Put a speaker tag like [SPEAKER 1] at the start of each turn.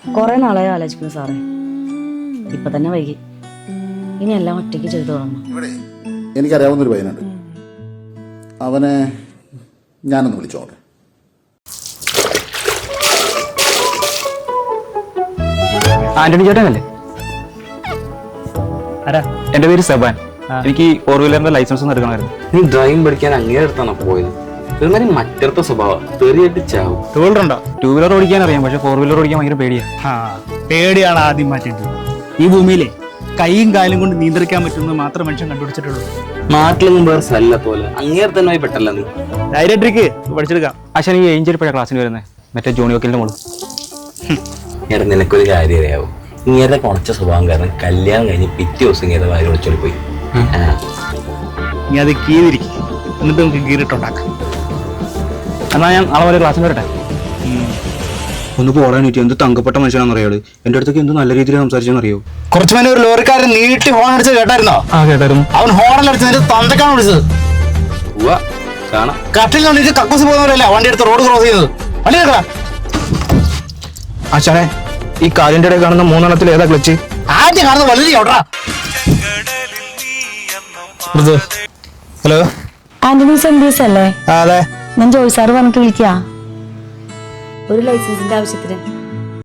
[SPEAKER 1] കുറെ നാളായി ആലോചിക്കുന്നു സാറേ. ഇപ്പൊ തന്നെ വൈകി. ഇനി എല്ലാം ഒറ്റയ്ക്ക് ചെയ്തു തുടങ്ങണം.
[SPEAKER 2] ഇവിടെ എനിക്കറിയാവുന്നൊരു പയ്യനുണ്ട്. അവനെ ഞാനൊന്ന് വിളിച്ചോട്ടെ.
[SPEAKER 3] ആന്റണി ചേട്ടനല്ലേ? എന്റെ പേര് സെബാൻ. എനിക്ക് 4 വീലറിന്റെ ലൈസൻസ് ഒന്ന് എടുക്കണമായിരുന്നു.
[SPEAKER 4] നീ ഡ്രൈവിംഗ് പഠിക്കാൻ അങ്ങേ അടുത്താണ് പോയത്. എന്നാലും മറ്റടുത്ത സ്വഭാവം തെറിയായിട്ട് ചാവും.
[SPEAKER 3] 2 വീലറുണ്ടോ? 2 വീലർ ഓടിക്കാൻ അറിയാം, പക്ഷെ 4 വീലർ ഓടിക്കാൻ ഭയങ്കര പേടിയാ.
[SPEAKER 5] പേടിയാണ് ആദ്യം മാറ്റേണ്ടത്. ഈ ഭൂമിയിലെ കൈയും കാലും കൊണ്ട് നിയന്ത്രിക്കാൻ പറ്റുന്നത് മാത്രം മനുഷ്യൻ കണ്ടുപിടിച്ചിട്ടുള്ളൂ.
[SPEAKER 4] നാട്ടിലൊന്നും വേറെ സ്ഥല പോലെ അങ്ങേ തന്നെ പെട്ടല്ല നീ.
[SPEAKER 5] ഡയറക്ടർക്ക് പഠിച്ചെടുക്കാം.
[SPEAKER 3] പക്ഷെ ഈ ഏഞ്ചൽ ഇപ്പോഴാണ് ക്ലാസ്സിന് വരുന്നത്, മറ്റേ ജോണി വക്കലിന്റെ മോള്.
[SPEAKER 4] എടാ നിനക്കൊരു കാര്യം അറിയാവോ? ഇങ്ങേരുടെ കുറച്ച സ്വഭാവം കാരണം കല്യാണം കഴിഞ്ഞ് പിറ്റേ ദിവസം ഇങ്ങേരുടെ വാരി വിളിച്ചോളി പോയി.
[SPEAKER 5] നീ അത് കീറിരിക്കും, എന്നിട്ട് നമുക്ക് കീറിട്ടുണ്ടാക്കാം.
[SPEAKER 3] എന്നാ ഞാൻ നാളെ വരെ ക്ലാസ്സിന് വരട്ടെ. ഒന്ന് പോടാൻ പറ്റി. എന്ത് തങ്കപ്പെട്ട മനുഷ്യനാണെന്ന് അറിയാള്. എന്റെ അടുത്തൊക്കെ എന്ത് നല്ല രീതിയിൽ സംസാരിച്ചെന്ന് അറിയോ?
[SPEAKER 5] കുറച്ചു മുന്നേ ഒരു ലോറിക്കാരൻ നീട്ടി ഹോൺ അടിച്ച് കേട്ടായിരുന്നോ?
[SPEAKER 3] കേട്ടായിരുന്നു.
[SPEAKER 5] അവൻ ഹോണൽ അടിച്ചതിന്റെ തന്തക്കാണ് വിളിച്ചത്.
[SPEAKER 4] കാണാം.
[SPEAKER 5] കട്ടിൽ കണ്ടിട്ട് കക്കൂസ് പോകുന്നവരല്ല വണ്ടി എടുത്ത് റോഡ് ക്രോസ് ചെയ്തത്. വണ്ടി എടുക്കടാ.
[SPEAKER 3] ആശാനെ, ഈ കാലിന്റെ ഇടയിൽ കാണുന്ന 3 ഏതാ ക്ലച്ച്?
[SPEAKER 5] ആദ്യം കാണുന്നത് വളരെ ഓടാ.
[SPEAKER 3] ഹലോ,
[SPEAKER 1] ആന്റണി സെന്റീസ് അല്ലേ?
[SPEAKER 3] അതെ.
[SPEAKER 1] ഞാൻ ജോയ് സാറ് പറഞ്ഞിട്ട് വിളിക്കാ. ഒരു ലൈസൻസിന്റെ ആവശ്യത്തിന്